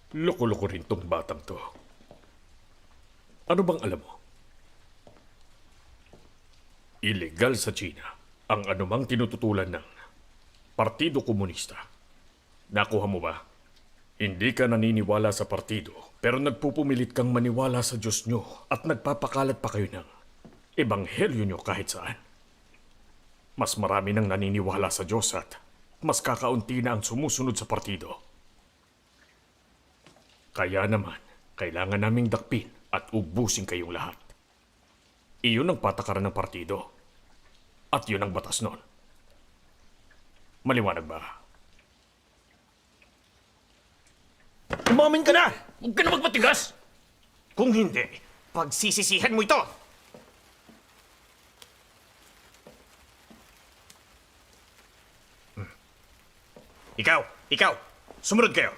Loko-loko rin tong batang to. Ano bang alam mo? Ilegal sa China ang anumang tinututulan ng Partido Komunista. Nakuha mo ba? Hindi ka naniniwala sa partido, pero nagpupumilit kang maniwala sa Diyos nyo at nagpapakalat pa kayo ng ebanghelyo nyo kahit saan. Mas marami nang naniniwala sa Diyos at mas kakaunti na ang sumusunod sa partido. Kaya naman, kailangan naming dakpin at ubusin kayong lahat. Iyon ang patakaran ng partido. At yun ang batas nun. Maliwanag ba? Umamin ka na! Huwag ka na magmatigas! Kung hindi, pagsisisihan mo ito! Ikaw! Sumunod kayo!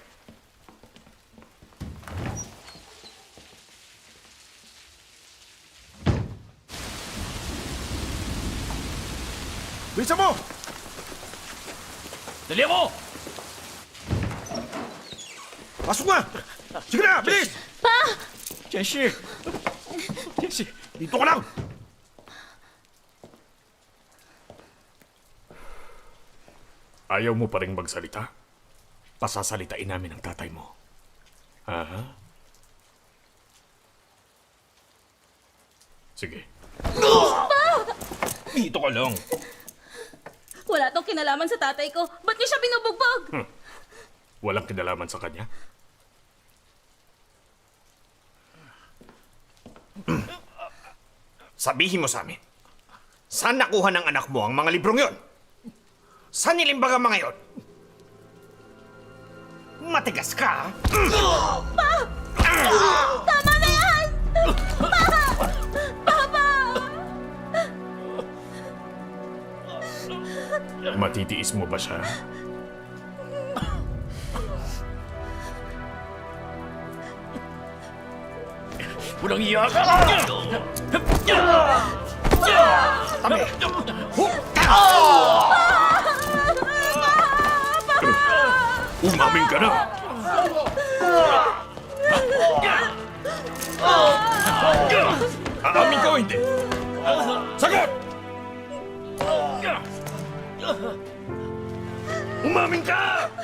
Bisa mo! Dali mo! Pasok na! Sige na, bilis! Pa! Jenshi! Jenshi, dito ka lang! Ayaw mo pa rin magsalita? Pasasalitain namin ang tatay mo. Aha. Sige. Dito ka lang! Wala tong kinalaman sa tatay ko. Ba't niyo siya binubugbog? Walang kinalaman sa kanya? Sabihin mo sa amin, saan nakuha ng anak mo ang mga librong yon? Saan nilimbaga mga yon? Matigas ka, ha? Tama na yan! Papa! Matitiis mo ba siya? Walang iya ka! Tabi! Umamin ka na! Aamin ka o hindi? Sagot! Umamin ka!